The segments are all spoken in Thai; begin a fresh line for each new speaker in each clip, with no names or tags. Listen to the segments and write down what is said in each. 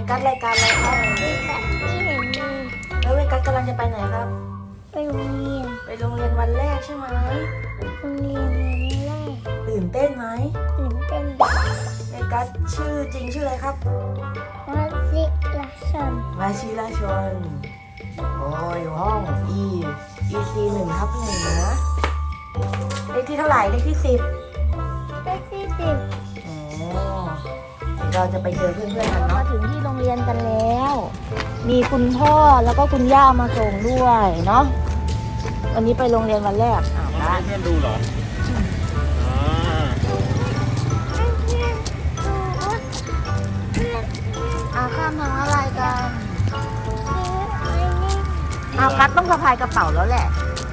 กัสรายการอะไรครับ
นี่ค่ะนี่เห็นมี
แล้วเวกัสกำลังจะไปไหนครับ
ไปโรงเรียน
ไปโรงเรียนวันแรกใช่ไหม
โรงเรียนวันแรก
ตื่นเต้นไหม
ตื่นเต้น
เวกัสชื่อจริงชื่ออะไรครับ
วัชิรชน
วชิรชนโอ้ยอยู่ห้อง EC 1/1นะเลขที่เท่าไหร่เลขที่10
เลขที่10
เราจะไปเจอเพื่อนๆกันเนาะมาถึงที่โรงเรียนกันแล้ว มีคุณพ่อแล้วก็คุณย่ามาส่งด้วยเนาะวันนี้ไปโรงเรียนวันแรก
ให้เพื่อนดูเหรอ
ข้ามทางอะไรกันกัดต้องสะพายกระเป๋าแล้วแหละ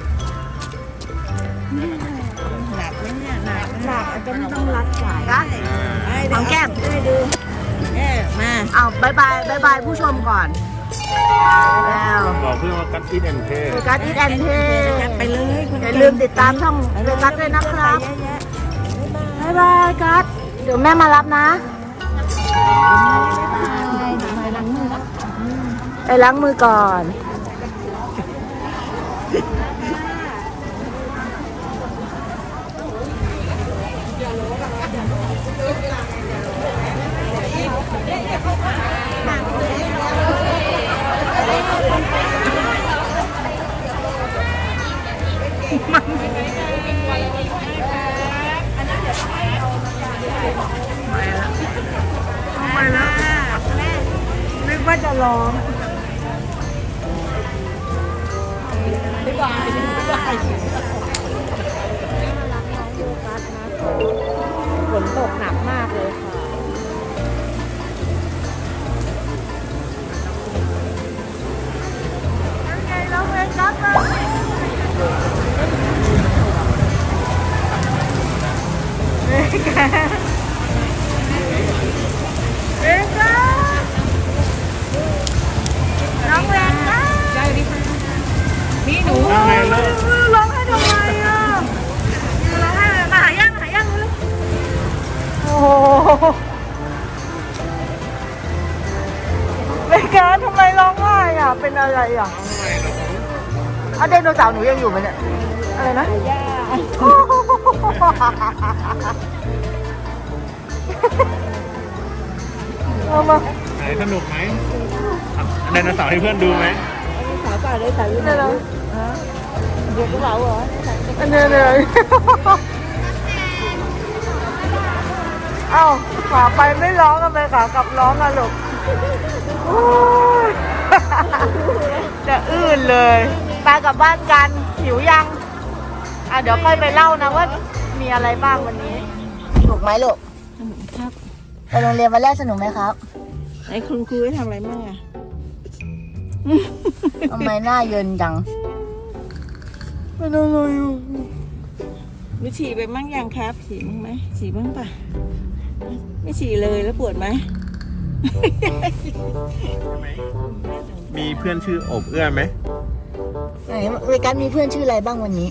หนักไหมเนี่ยหนัก
อาจจะต้องรัดสายนะหอมแก้ม
ได้ดูมา
เอาบายบายผู้ชมก่อนแล้ว
บอกเพื่อนว่ากัดที่แอนเท
กัดอีแอนเท
ไปเลย
อย่าลืมติดตามช่องเวกัสด้วยนะครับบายบายกัดเดี๋ยวแม่มารับนะไปล้างมือก่อนนึกว่าจะร้องบ๊ายบายฝนตกหนักมากเลยค่ะยังไงเราเวกัสเวกัสน้องเวกัสนี่หนูร้องให้ทำไมอ่ะร้องให้มาหาย่างเลยโอ้โหเวกัสทำไมร้องไห้อ่ะเป็นอะไรอ่ะเอาไดโนเสาร์หนูยังอยู่ไหมเนี่ยอะไรนะเอามา
ไหนสนุกไหมไดโนเสาร์ให้เพื่อนดูไหม
สาวป่าได้สาวยืนเนาะเด็กกระเป๋าเหรอ
อันนี้เลยเอ้าขาไปไม่ร้องกันไปขากลับร้องกันลูกจะอื้นเลยไปกลับบ้านกันหิวยังเดี๋ยวค่อยไปเล่านะว่ามีอะไรบ้างวันนี้สนุกไหมลูก
ครับ
ไปโรงเรียนวันแรกสนุกไหมครับ
ไอ้คุณครูให้ทำอะไรบ้างอ่ะ
ทำไมหน้าเยินจังไม่รู้เลย
มีฉี่ไปมั่งยังครับฉี่บ้างไหมฉี่บ้างป่ะไม่ฉี่เลยแล้วปวดไหม
มีเพื่อนชื่ออบเอื้อไหม
ไหนเวกัสมีเพื่อนชื่ออะไรบ้างวันนี้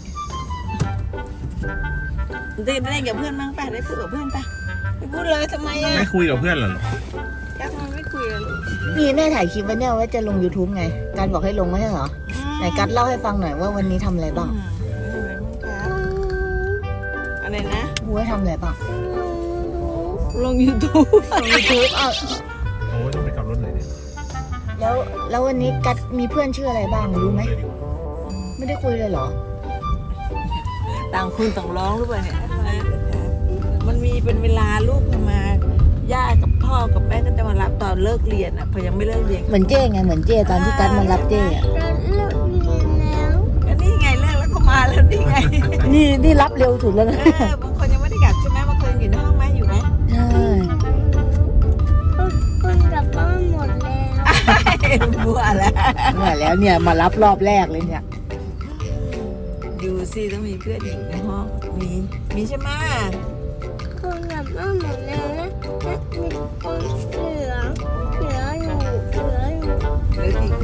ได้กับเพื่อนบ้างป่ะได้พูดกับเพื่อนป่ะไม่พูดเลยทำไมอ่ะ
ไม่คุยกับเพื่อนเหรอ
แกทำไมไม่คุยอ่ะลูก
นี่แม่ถ่ายคลิปไว้เนี่ยว่าจะลง YouTube ไงการบอกให้ลงไม่ใช่เหรอไหนกัดเล่าให้ฟังหน่อยว่าวันนี้ทำอะไรบ้าง
อะไรนะ
ครูให้ทำอะไรบ้าง
ลง YouTube
ลง YouTube
โอ้ต้องไปกลับรถไหนเนี่ย
แล้ววันนี้กัดมีเพื่อนชื่ออะไรบ้างรู้ไหมไม่ได้คุยเลยเหรอ
ต่างคนต่างร้องหรือเปล่าเนี่ยมันมีเป็นเวลาลูกมาย่ากับพ่อกับแม่ก็จะมารับตอนเลิกเรียนอ่ะพอยังไม่เลิกเรียน
เหมือนเจ้ไงเหมือนเจ้ตอนที่กัดมารับเจ้อะ
เราเลิกเรียนแล้ว
ก็นี่ไงเลิกแล้วก็มาแล้วนี่ไง
นี่รับเร็วสุดแล้วนะ
บางคนยังไม่ได้กลับใช่ไหมบางคนอยู่ในห้องไหมอยู่ไหม
ใช่
คนกลับบ้านหมดแล้ว
บัวแล้ว
เนี่ยแล้วเนี่ยมารับรอบแรกเลยเนี่ย
ดูสิต้องมีเพื่อนอยู่ในห้องมีใช่ไหม
คนกลับบ้านหมดแล้วนะมีคนเหลืออยู่
เหลือกี่คน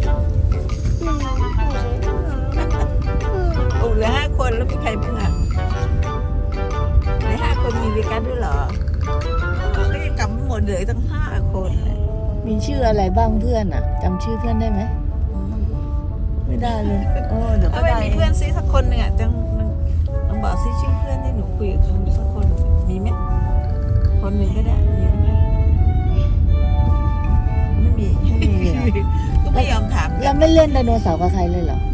โอ้เหลือ5 คนแล้วมีใครบ้างอ่ะใน5 คนมีเวกัสด้วยเหรอก็ยังกลับไม่หมดเหลือตั้ง5 คน
มีชื่ออะไรบ้างเพื่อนอ่ะจำชื่อเพื่อนได้ไหมไม่ได้เลยโอ้เดี๋ยวก็
ถ้าไม่
ได้
มีเพื่อนซิสักคนหนึ่งอ่ะจังลองบอกซิชื่อเพื่อนที่หนูคุยกับเขาสักคนมีไหมคนหนึ่งก็ได้มีไหมไม่มี
ไม่มีเหรอ
ก็ไม่ยอมถาม
แล้วไม่เล่นไดโนเสาร์กับใครเลยเหรอ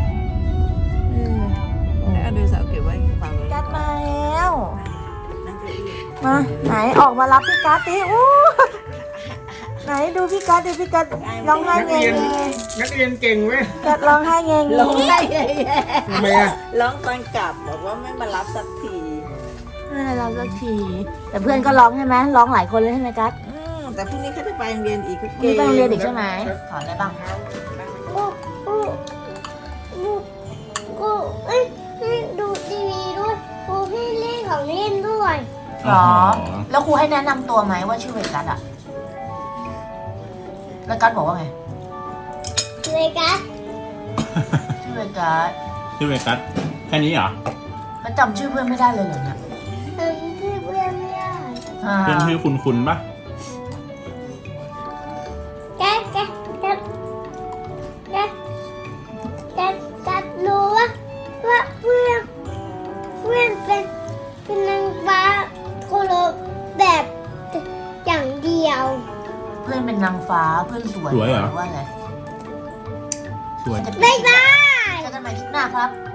แล้วเอาดูสาวเก็บไว้ฟังเลย
กัดมาแล้วมาไหนออกมารับพี่กัดดิอู้ไหนดูพี่กัดดิพี่กัดร้องไห้
นัก
เง
เรียน
ย
นักเรียนเก่งเว้ย
กัดร้องไห้เงย
ร้องไห้
ทำไมอ่ะ
ร้องตอนกลับบอกว่าไม่มารับสักที
ไม่ได้รับสักที แต่เพื่อนก็ร้องใช่ไหมร้องหลายคนเลยใช่ไหมกัด
แต่พรุ่งนี้เขาจะไปโรงเรียนอีกเขา
มี
เก่ง
ไปโรงเรียนอีกใช่ไหมสอนอะไรบ้าง
กูเอ้ยให้ดูทีวีด้วยกูให้เล่นของเล่นด้วย
หรอ แล้วครูให้แนะนำตัวไหมว่าชื่อเวกัสอะแล้วกัสบอกว่าไง
เลยกัส
ชื่อเวกัส
ชื่อเวกัสแค่นี้เหรอ
แล้วจำชื่อเพื่อนไม่ได้เลยเหรอเนี่ย
ทำที่เพื่อนไม่ได้
อ่า
เพื่อนชื่อคุณปะ
กัสกัสกัสกัสกัสกัสรู้ว่าเพื่อนเป็นนางฟ้าโคโลแบบอย่างเดียว
เพื่อนเป็นนางฟ้าเพื่อนสวย
สวยเหรอ
ว่าไง
สวย
บ๊ายบาย
เจอกันใหม่คลิปหน้าครับ